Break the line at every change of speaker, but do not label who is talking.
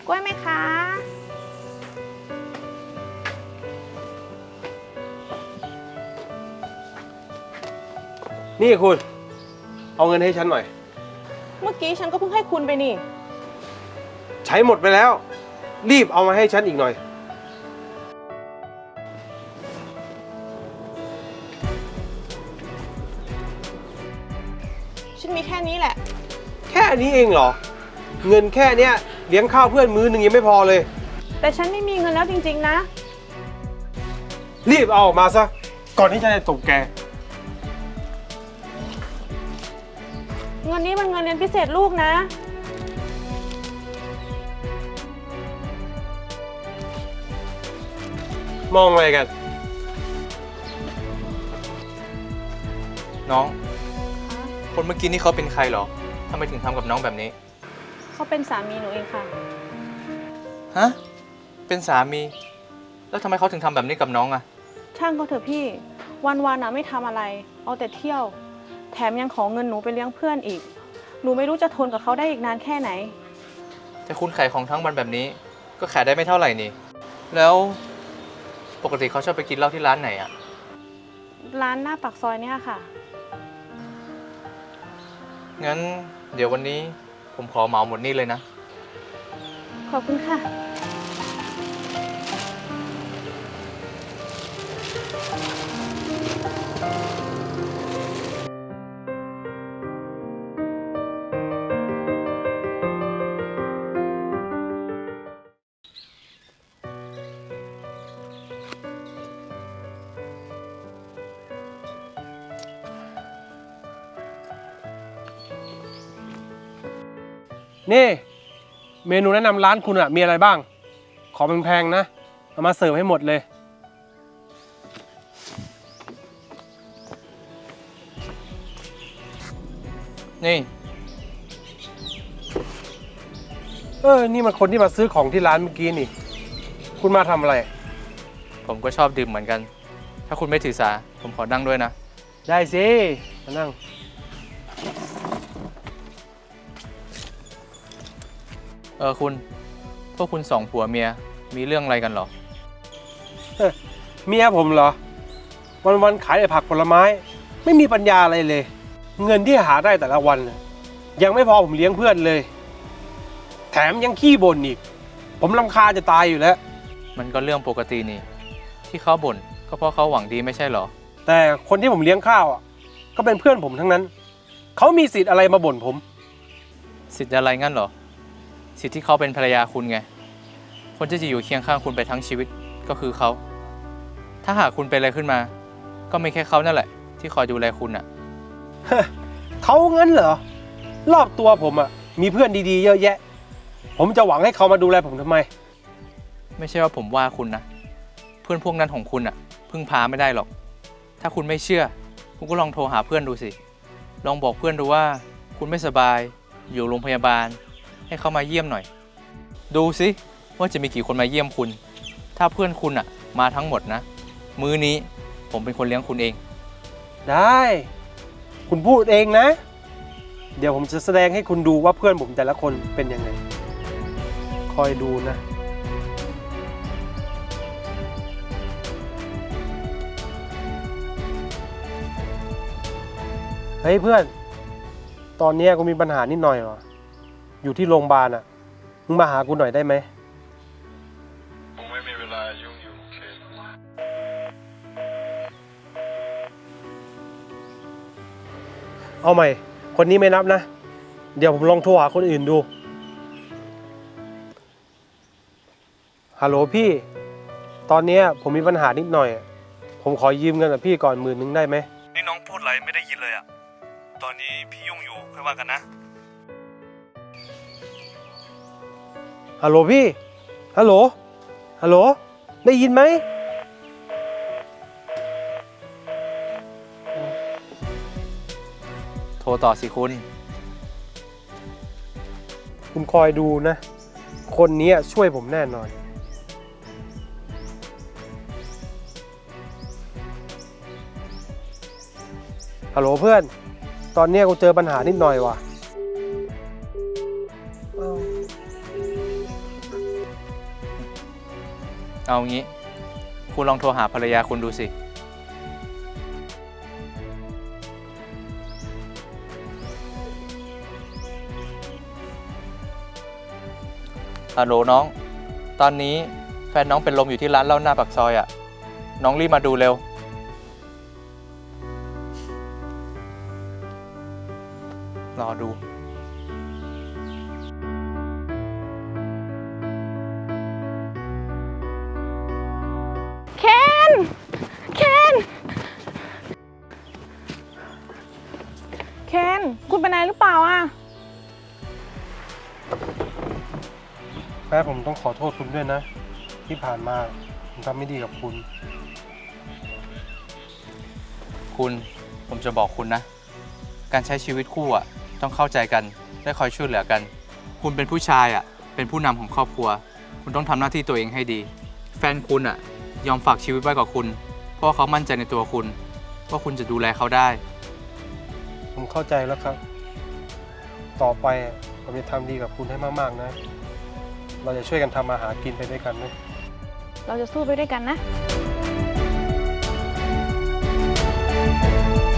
กล้วยไหมคะ
นี่คุณเอาเงินให้ฉันหน่อย
เมื่อกี้ฉันก็เพิ่งให้คุณไปนี่
ใช้หมดไปแล้วรีบเอามาให้ฉันอีกหน่อย
ฉันมีแค่นี้แหละ
แค่นี้เองเหรอเงินแค่เนี้ยเลี้ยงข้าวเพื่อนมื้อหนึ่งยังไม่พอเลย
แต่ฉันไม่มีเงินแล้วจริงๆนะ
รีบเอาออกมาซะก่อนที่ฉันจะตบแก
เงินนี้มันเงินเรียนพิเศษลูกนะ
มองอะไรกัน
น้องคนเมื่อกี้นี่เขาเป็นใครเหรอทำไมถึงทำกับน้องแบบนี้
เขาเป็นสามีหนูเองค่ะ
ฮะเป็นสามีแล้วทำไมเขาถึงทำแบบนี้กับน้องอะ
ช่างก็เถอะพี่วันๆไม่ทำอะไรเอาแต่เที่ยวแถมยังขอเงินหนูไปเลี้ยงเพื่อนอีกหนูไม่รู้จะทนกับเขาได้อีกนานแค่ไหน
แต่คุณขายของทั้งวันแบบนี้ก็ขายได้ไม่เท่าไหร่นี่แล้วปกติเขาชอบไปกินเหล้าที่ร้านไหนอะ
ร้านหน้าปากซอยเนี่ยค่ะ
งั้นเดี๋ยววันนี้ผมขอเหมาหมดนี่เลยนะ
ขอบคุณค่ะ
นี่เมนูแนะนำร้านคุณอะมีอะไรบ้างขอแพงๆนะเอามาเสิร์ฟให้หมดเลย
นี่
นี่มันคนที่มาซื้อของที่ร้านเมื่อกี้นี่คุณมาทำอะไร
ผมก็ชอบดื่มเหมือนกันถ้าคุณไม่ถือสาผมขอนั่งด้วยนะ
ได้สิมานั่ง
คุณพวกคุณสองผัวเมียมีเรื่องอะไรกันเหรอ
เมียผมเหรอวันๆขายแต่ผักผลไม้ไม่มีปัญญาอะไรเลยเงินที่หาได้แต่ละวันยังไม่พอผมเลี้ยงเพื่อนเลยแถมยังขี้บ่นอีกผมรำคาญจะตายอยู่แล้ว
มันก็เรื่องปกตินี่ที่เขาบ่นก็เพราะเขาหวังดีไม่ใช่เหรอ
แต่คนที่ผมเลี้ยงข้าวก็เป็นเพื่อนผมทั้งนั้นเขามีสิทธิ์อะไรมาบ่นผม
สิทธิ์อะไรงั้นเหรอสิทธิ์ที่เขาเป็นภรรยาคุณไงคนที่จะอยู่เคียงข้างคุณไปทั้งชีวิตก็คือเขาถ้าหากคุณเป็นอะไรขึ้นมาก็ไม่แค่เขานั่นแหละที่คอยดูแลคุณอ่ะ
เขางั้นเหรอรอบตัวผมมีเพื่อนดีๆเยอะแยะผมจะหวังให้เขามาดูแลผมทำไม
ไม่ใช่ว่าผมว่าคุณนะเพื่อนพวกนั้นของคุณพึ่งพาไม่ได้หรอกถ้าคุณไม่เชื่อคุณก็ลองโทรหาเพื่อนดูสิลองบอกเพื่อนดูว่าคุณไม่สบายอยู่โรงพยาบาลให้เขามาเยี่ยมหน่อยดูสิว่าจะมีกี่คนมาเยี่ยมคุณถ้าเพื่อนคุณมาทั้งหมดนะมื้อนี้ผมเป็นคนเลี้ยงคุณเอง
ได้คุณพูดเองนะเดี๋ยวผมจะแสดงให้คุณดูว่าเพื่อนผมแต่ละคนเป็นยังไงคอยดูนะเฮ้ยเพื่อนตอนนี้กูมีปัญหานิดหน่อยว่ะอยู่ที่โรงพยาบาลมึงมาหากูหน่อยได้ไหม
ผมไม่มีเวลายุ่งอยู่โอเค
เอาใหม่คนนี้ไม่นับนะเดี๋ยวผมลองโทรหาคนอื่นดูฮัลโหลพี่ตอนนี้ผมมีปัญหานิดหน่อยผมขอยืมเงินกับพี่ก่อน10,000ได้ไหม
นี่น้องพูดอะไรไม่ได้ยินเลยตอนนี้พี่ยุ่งอยู่ค่อยว่ากันนะ
ฮัลโหลพี่ฮัลโหลฮัลโหลได้ยินไหม
โทรต่อสิ
คุณคอยดูนะคนนี้ช่วยผมแน่นอนฮัลโหลเพื่อนตอนนี้กูเจอปัญหานิดหน่อยว่ะ
เอางี้ คุณลองโทรหาภรรยาคุณดูสิ ฮัลโหลน้อง ตอนนี้แฟนน้องเป็นลมอยู่ที่ร้านเหล้าหน้าปากซอยอ่ะ น้องรีบมาดูเร็ว รอดู
เคนเคนเคนคุณเป็นอะไรหรือเปล่าอ่ะ
แม่ผมต้องขอโทษคุณด้วยนะ ที่ผ่านมาผมทำไม่ดีกับคุณ
ผมจะบอกคุณนะ การใช้ชีวิตคู่อ่ะ ต้องเข้าใจกันและคอยช่วยเหลือกัน คุณเป็นผู้ชายอ่ะ เป็นผู้นำของครอบครัว คุณต้องทำหน้าที่ตัวเองให้ดี แฟนคุณอ่ะ ยอมฝากชีวิตไว้กับคุณ เพราะว่าเขามั่นใจในตัวคุณ ว่าคุณจะดูแลเขาได้
ผมเข้าใจแล้วครับ ต่อไปผมจะทำดีกับคุณให้มากๆนะ เราจะช่วยกันทำมาหากินไปด้วยกันนะ
เราจะสู้ไปด้วยกันนะ